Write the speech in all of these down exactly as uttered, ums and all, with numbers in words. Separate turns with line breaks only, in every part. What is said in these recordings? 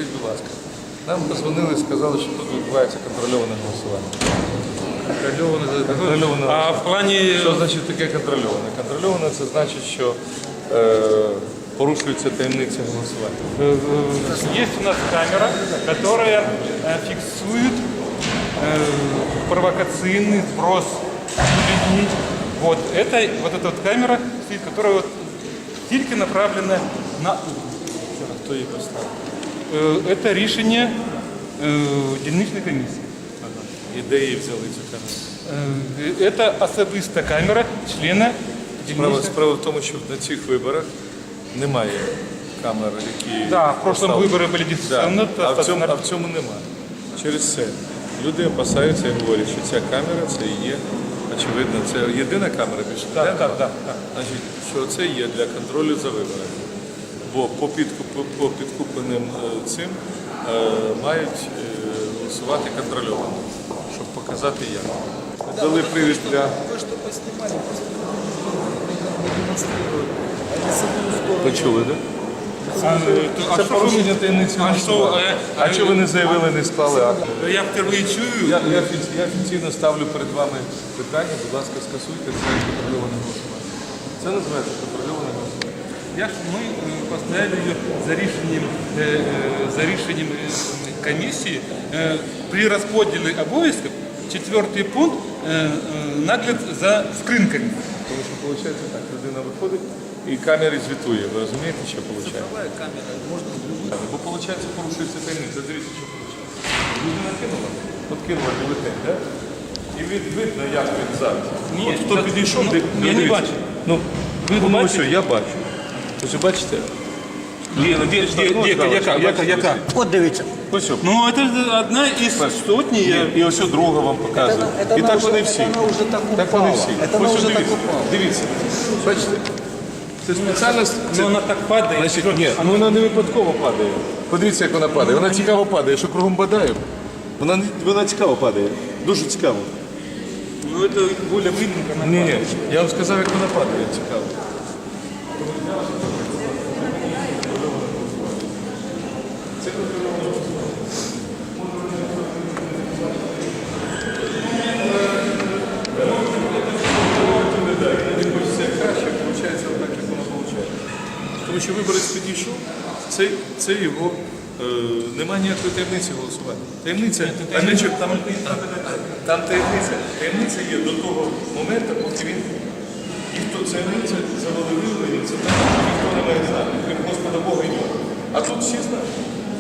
Скажіть, будь ласка, нам позвонили і сказали, що тут відбувається контрольоване голосування.
Контрольоване.
Контрольоване.
А в плані...
Що значить таке контрольоване? Контрольоване – це значить, що е, порушується таємниця голосування.
Есть у нас камера, которая э, фиксует э, провокационный сброс бюллетеней. Вот, это, вот эта вот камера, стоит, которая вот тільки направлена на
Хто її поставив?
Э, это рішення э, дільничної комісії.
Ага. І де її взяли цю камеру?
Э, Это особиста камера члена
Справа,
дільничної.
справа в тому, що на цих виборах немає камер, які...
Да, в прошлом
поставлені.
выборы были
Да.
дистанционно.
А, в цьому, а в цьому немає. Через це люди опасаються і говорять, що ця камера це і є, очевидно, це єдина камера більше.
Так,
не?
так, так.
Значить, що це є для контролю за виборами. Бо по, підкуп, по підкупленим е, цим е, мають е, голосувати контрольовано, щоб показати як. Дали привід для...
Вы что поснимали, просто демонстрировали. Они саму здорово.
Почули, так?
А, а
Це
що
порушення таємниці
а
голосування.
що, е,
А чого ви не заявили, не склали акт?
Я впервые чую.
Я, я, офіці- я офіційно ставлю перед вами питання, будь ласка, скасуйте це контрольоване голосування. Це називається контрольоване голосування.
Я ж ми е, поставили її за рішенням, е, е, за рішенням е, комісії е, при розподілі обов'язків четвертий пункт е, е, нагляд за скринками.
Тому що виходить так, людина виходить і камери звітує. Ви розумієте, що виходить?
Цифровая камера, можно с другой.
Бо виходить, порушується таємниця. Дивіться, що виходить. Людина кинула, от кинула бюлетень, так? І від, видно, як він зараз.
Ні,
От хто
так,
підійшов,
ну,
де,
я не
дивіться.
бачу.
Ну, ви
Ви
думали,
бачите?
що я бачу. Ось ви бачите?
Де, де, де, де, яка, яка, яка?
От дивіться.
Ось що.
Ну, це одна із сотні.
Ні, і ось друга вам показує.
Це- це
І
вона
так
вже-
вони всі.
це вона вже так
Так вони
упала.
всі.
Це вона
Ось
вже
дивіться.
так упала.
Дивіться. Бачите? Це спеціально... Це,
Ну, вона так падає.
значить, ні, ну вона не випадково падає. Подивіться, як вона падає. Вона цікаво падає. Що кругом бадаю, вона, не- вона цікаво падає. Дуже цікаво.
Ну, це більш видно, як вона
Ні, ні,
падає.
я вам сказав, як вона падає. Цікаво. Це краще, виходить так, як воно виходить. Тому що виборець підійшов, це, це його, е, немає ніякої таємниці голосування. Таємниця, а не чо- там, там таємниця. Таємниця є до того моменту, поки він, ніхто таємниця завалили, це так, ніхто не має знати, крім Господа Бога і нього. А тут всі знають.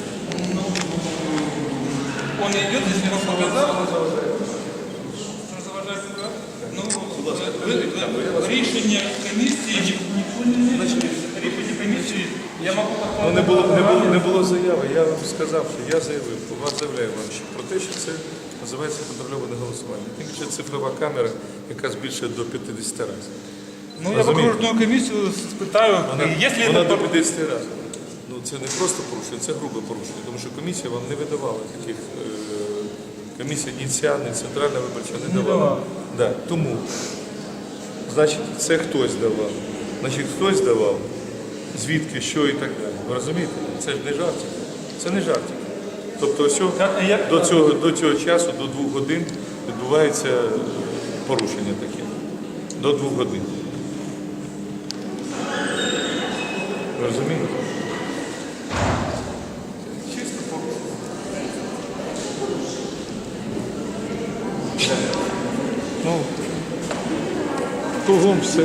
Он идет, если он показал, что заважає себе. Ну, ви- рішення комісії, ніхто не рішення комісії, я можу
Ну, не було, не, було, не було заяви. Я вам сказав, що я заявив, вас заявляю вам що про те, що це називається контрольоване голосування. Тим більше цифрова камера, яка збільшує до п'ятдесят разів.
Ну, я в
Розумієте?
окружную комиссию спитаю,
Вона,
если
вона
это...
до п'ятдесят разів. Ну, це не просто порушення, це грубе порушення, тому що комісія вам не видавала таких, е, комісія ні ця, ні Центральна виборча не давала.
давала.
Да. Тому, значить, це хтось давав. Значить, хтось давав, звідки, що і так далі. Ви розумієте? Це ж не жартик. Це не жартик. Тобто, ось цього-
Так, а як-
до, цього, до цього часу, до двох годин, відбувається порушення таке. До двох годин. Ви розумієте? Чисто порушення. Ну, кругом все.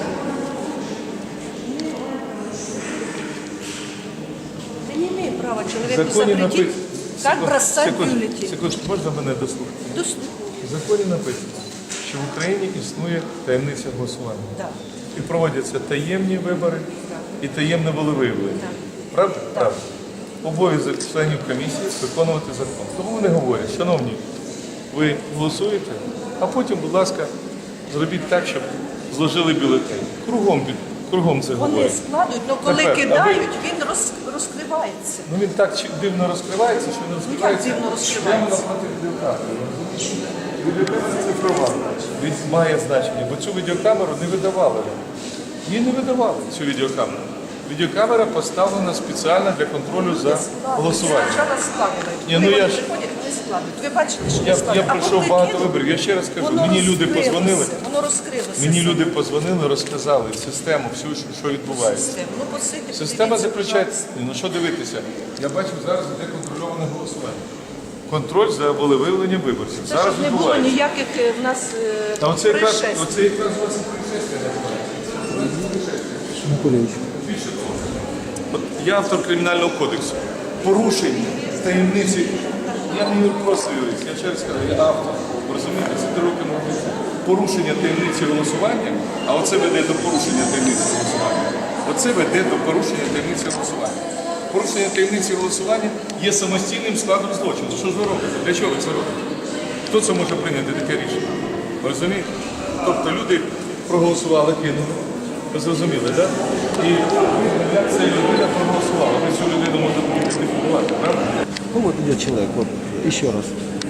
Да не имеет права
В
человеку
законі
запретить,
написано.
как бросать
Секунду,
бюллетень.
секунду, можна мене дослухати?
Дос-
В законі написано, що в Україні існує таємниця голосування.
Да.
І проводяться таємні вибори і таємне волевиявлення. Правда? Правда. Обов'язок членів комісії виконувати закон. Тому вони говорять, шановні, ви голосуєте, а потім, будь ласка, зробіть так, щоб зложили бюлетень. Кругом, під- кругом це
Вони
говорять.
складують, але коли
Тепер, а ви-
кидають, він роз- розкривається.
Ну він так чи- дивно розкривається, що не розкривається.
дивно розкривається?
Прямо напроти відеокамери. розумієте? Відеокамера цифрова. Він має значення, бо цю відеокамеру не видавали. Її не видавали, цю відеокамеру. Відеокамера поставлена спеціально для контролю за голосуванням.
Спочатку складують.
Ні,
Коли
ну я
вони
ж-
приходять, вони складують. Ви бачите, що
Я,
не
я
складують. А
пройшов
коли
багато
кинули,
виборів. Я ще раз кажу,
воно
мені люди
розкрилося,
позвонили.
Воно розкрилося.
Мені
саме.
люди позвонили, розказали систему, всю, що- що відбувається.
Систему. Ну, посидьте,
Система
подивіться,
заключається.
пожалуйста.
Ну що дивитися? Я бачу, зараз іде контрольоване голосування. Контроль за волевиявленням виборців.
Це
Зараз
щоб не було
відбувається.
ніяких е, в нас е,
А оце якраз,
происшествий.
оце якраз у вас і происшествие називається. Більше того, от я автор кримінального кодексу. Порушення таємниці. Я не просто юрист, я через кажу, я автор. Ви розумієте, це три роки мого життя. Порушення таємниці голосування, а оце веде до порушення таємниці голосування. Оце веде до порушення таємниці голосування. Порушення таємниці голосування є самостійним складом злочину. Що ж ви робите? Для чого ви це робите? Хто це може прийняти таке рішення? Ви розумієте? Тобто люди проголосували, кинули. Ви зрозуміли, так? І як ця людина проголосувала? Ви цю людину можете ідентифікувати, правда?
Ну вот идет человек, вот еще раз.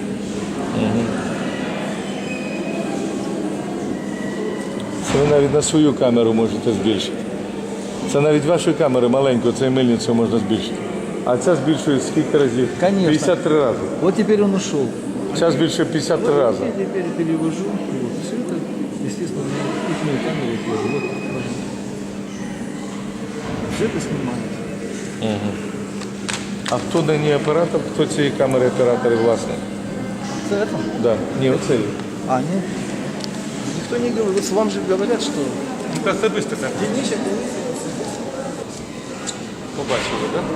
Це ви навіть на свою камеру можете збільшити. Це навіть вашої камери маленьку, цей мильницю можна збільшити. А ця збільшує скільки разів?
Конечно.
п'ятдесят три рази.
Вот теперь он ушел.
Ця збільшує п'ятдесят три рази.
Я теперь перевожу. Вот. Все это, естественно, на их камеру тоже. Вот. Все это снимается.
А хто даний оператор, хто цієї камери оператор і власник?
За это?
Да. Ні, оцей.
А, нет. Никто не говорит. Вам же говорят, что
Ну, как особисто так.
дільнича комісія.
Побачили, так?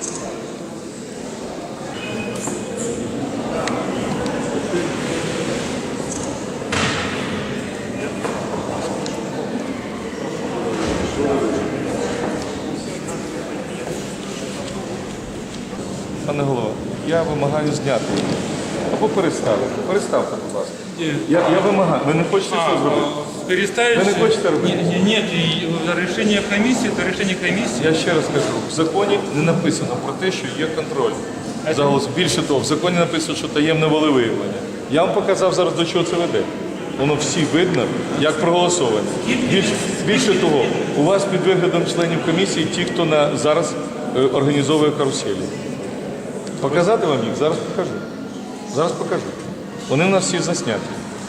Пане голово, я вимагаю зняти або переставити. Переставте, будь ласка. Я, я вимагаю. Ви не хочете що зробити?
Переставить.
Вы не хочете робити?
Не- не- Нет, и решение комиссии, это решение комиссии.
Я ще раз кажу, в законі не написано про те, що є контроль за голос. Більше того, в законі написано, що таємне волевиявлення. Я вам показав зараз, до чого це веде. Воно всі видно, як проголосовані. Більше, більше того, у вас під виглядом членів комісії ті, хто на, зараз е, організовує каруселі. Показати вам їх? Зараз покажу. Зараз покажу. Вони в нас всі засняті.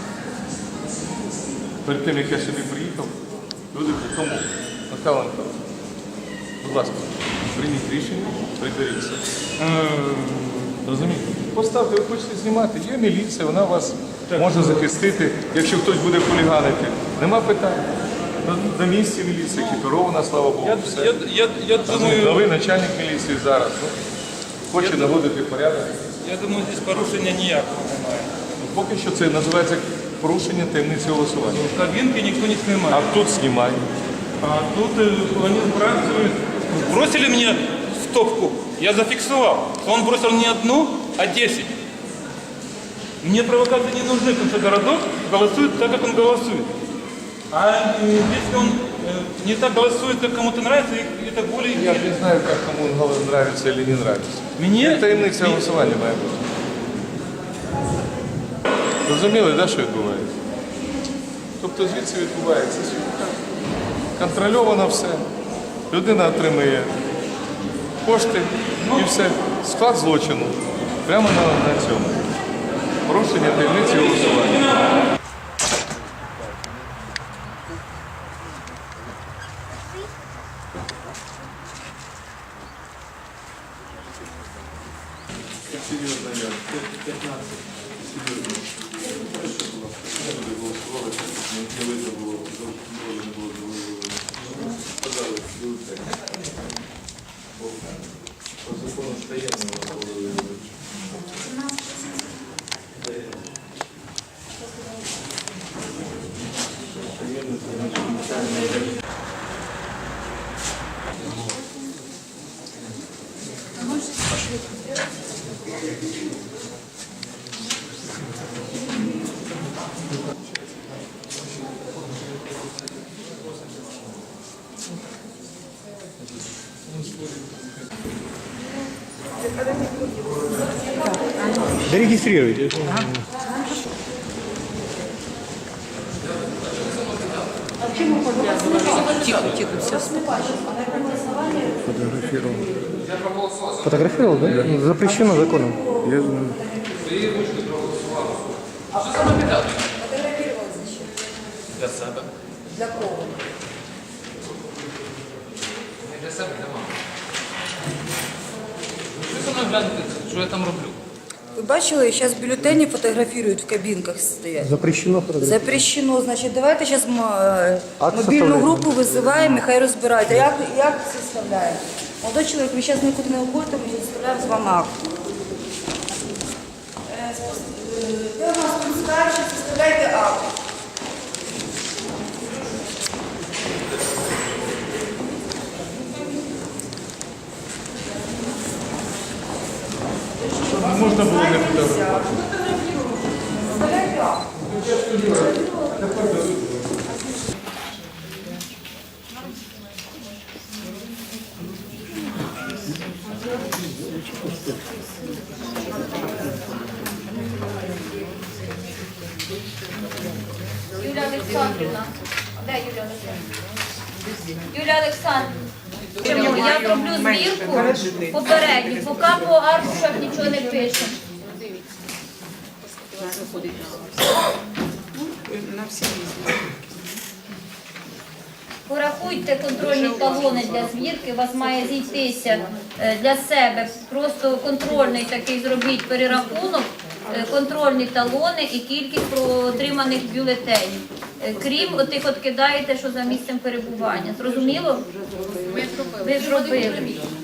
Перед тим, як я сюди приїхав, люди при тому, Михайло Михайлович, будь ласка, прийміть рішення, приберіться. Розумієте? Поставте, ви хочете знімати, є міліція, вона вас може захистити, якщо хтось буде хуліганити. Нема питань. На, на місці міліція екіпірована, слава Богу.
Я,
все.
я, я, я
Розумієте,
думаю,
новий начальник міліції зараз ну, хоче наводити порядок.
я думаю, здесь порушення ніякого немає.
Поки що це називається порушення таємниці голосування.
В кабинке никто не снимает.
А тут знімай.
А тут э, они сбрасывают. Бросили мне в топку, я зафиксировал. Он бросил не одну, а десять. Мне провокации не нужны, потому что городок голосует так, как он голосует. А э, если он э, не так голосует, как кому-то нравится, и- это более...
Я не знаю, як кому голос нравится или не нравится.
Мені...
Таємниця голосування має бути. Розуміли, да, що відбувається? Тобто звідси відбувається контрольовано все. Людина отримує кошти і все. Склад злочину. Прямо на, на цьому. Порушення таємниці голосування. Серйозно, я. п'ятнадцять. Серйозно. Не буде голосувати, не видно було, не було, не було. Подали, бюлетень. По закону таємного голови.
Зарегистрируйте.
Тихо, тихо, все.
Фотографировал.
Фотографировал, да? Ну, запрещено законом.
Я знаю.
Для себе.
Для кого?
Не для себе, для мами. Ви за мною гляньте, що я там роблю.
Ви бачили, зараз бюлетені фотографують в кабінках стоять.
Запрещено фотографировать.
Запрещено. Значить, давайте зараз
Акт
мобільну
составляйте.
групу визиваємо і хай розбирають. А як, як це составляємо? Молодой чоловік, ви зараз нікуди не уходите, ми зараз составляємо з вами акт. Е, спос- е, Де у нас тут старший, составляйте акт.
Можна було не фотографувати.
Составляйте акт.
Юлія Олександрівна. Де Юлія Олександрівна? Юлія Олександрівна, я зроблю звірку попередню, поки по аркушах нічого не пишемо. Порахуйте контрольні талони для звірки, у вас має зійтися е, для себе. Просто контрольний такий зробіть перерахунок, е, контрольні талони і кількість отриманих бюлетенів. Е, Крім отих, от кидаєте, що за місцем перебування. Зрозуміло? Ви зробили.